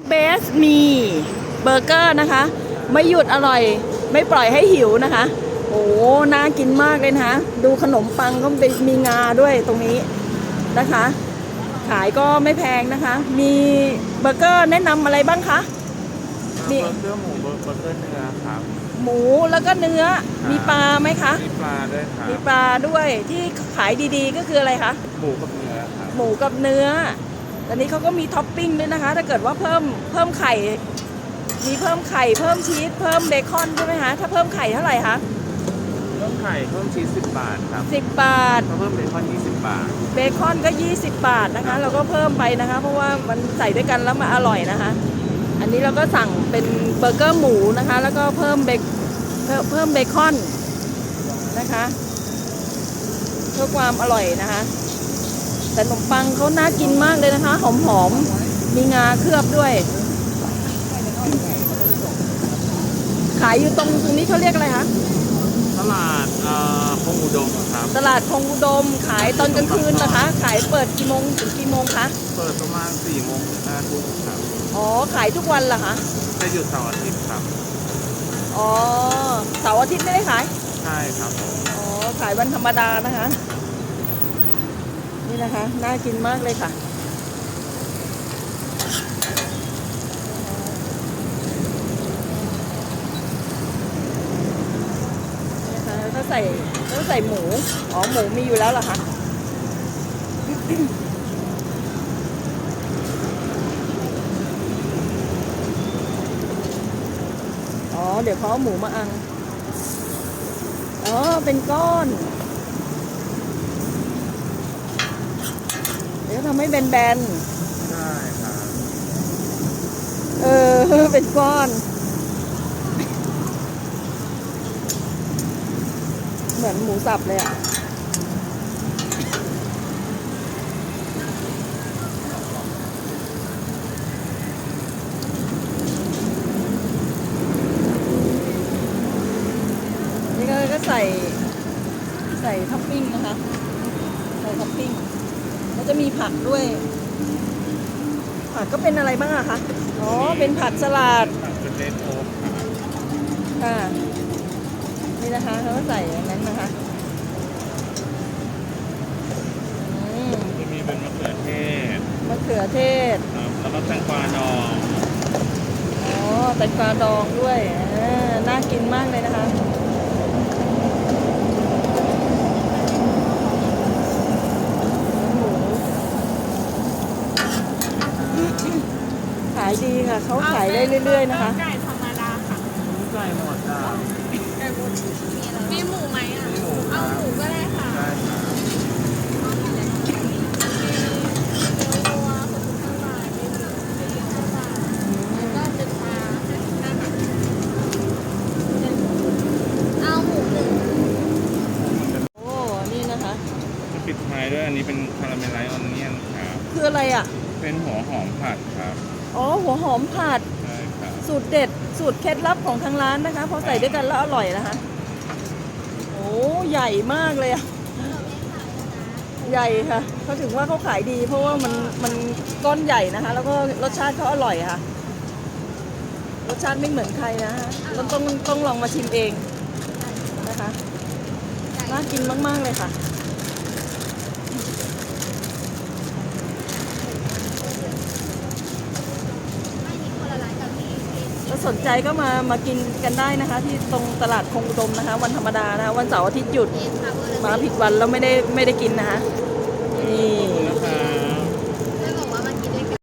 เบสมีเบอร์เกอร์นะคะไม่หยุดอร่อยไม่ปล่อยให้หิวนะคะโอ้น่ากินมากเลยนะคะดูขนมปังก็มีงาด้วยตรงนี้นะคะขายก็ไม่แพงนะคะมีเบอร์เกอร์แนะนำอะไรบ้างคะมีเบอร์เกอร์หมูเบอร์เกอร์เนื้อครับหมูแล้วก็เนื้อมีปลาไหมคะมีปลาด้วยครับมีปลาด้วยที่ขายดีๆก็คืออะไรคะหมูกับเนื้อครับหมูกับเนื้อตอนนี้เขาก็มีท็อปปิ้งด้วยนะคะถ้าเกิดว่าเพิ่มไข่มีเพิ่มไข่เพิ่มชีสเพิ่มเบคอนใช่ไหมคะถ้าเพิ่มไข่เท่าไหร่คะเพิ่มไข่เพิ่มชีส10 บาทครับ 10 บาทเพิ่มเบคอน20 บาทเบคอนก็20 บาทนะคะเราก็เพิ่มไปนะคะเพราะว่ามันใส่ด้วยกันแล้วมันอร่อยนะคะอันนี้เราก็สั่งเป็นเบอร์เกอร์หมูนะคะแล้วก็เพิ่มเบคอนนะคะเพื่อความอร่อยนะคะแต่ขนมปังเขาน่ากินมากเลยนะคะหอมๆมีงาเคลือบด้วยขายอยู่ตรงนี้เขาเรียกอะไรคะตลาดคงอุดมครับตลาดคงอุดมขายตอนกลางคืนนะคะขายเปิดกี่โมงถึงกี่โมงคะเปิดประมาณ4 โมงถึง5 ทุ่มครับอ๋อขายทุกวันเหรอคะจะหยุดเสาร์อาทิตย์ครับอ๋อเสาร์อาทิตย์ไม่ได้ขายใช่ครับอ๋อขายวันธรรมดานะคะนี่นะคะน่ากินมากเลยค่ะถ้าใส่หมูอ๋อหมูมีอยู่แล้วเหรอคะอ๋อเดี๋ยวเขาเอาหมูมาอังอ๋อเป็นก้อนเดี๋ยวทำให้แบนใช่ครับเป็นก้อนเหมือนหมูสับเลยอ่ะนี่ก็ใส่ท็อปปิ้งนะคะใส่ท็อปปิ้งแล้วจะมีผักด้วยผักก็เป็นอะไรบ้างอะคะอ๋อเป็นผักสลัดเป็นเลนโอ๊กค่ะนี่นะคะเขาก็ใส่อย่างนั้นนะคะจะมีเป็นมะเขือเทศแล้วก็แตงกวาดองอ๋อแตงกวาดองด้วยน่ากินมากเลยนะคะขายดีค่ะเขาขายได้เรื่อยๆนะคะไก่ธรรมดาค่ะไก่หมดจ้าไก่หมดมีหมูไหมอ่ะมีหมูเอาหมูก็ได้ค่ะได้ค่ะวัว65 บาทมีหมู45 บาทแล้วก็เป็นปลา55 บาทเอาหมูหนึ่งโอ้นี่นะคะจะปิดท้ายด้วยอันนี้เป็นคาราเมลไลซ์ออนเนียนครับคืออะไรอ่ะเป็นหัวหอมผัดครับอ๋อหัวหอมผัดใช่ครับสูตรเด็ดสูตรเคล็ดลับของทางร้านนะคะพอใส่ด้วยกันแล้วอร่อยนะคะโอ้ใหญ่มากเลยอะใหญ่ค่ะเขาถึงว่าเขาขายดีเพราะว่ามันก้อนใหญ่นะคะแล้วก็รสชาติเขาอร่อยค่ะรสชาติไม่เหมือนใครนะฮะต้องลองมาชิมเองนะคะน่ากินมากๆเลยค่ะถ้าสนใจก็มากินกันได้นะคะที่ตรงตลาดคงอุดมนะคะวันธรรมดานะคะวันเสาร์อาทิตย์หยุดมาผิดวันแล้วไม่ได้กินนะคะนี่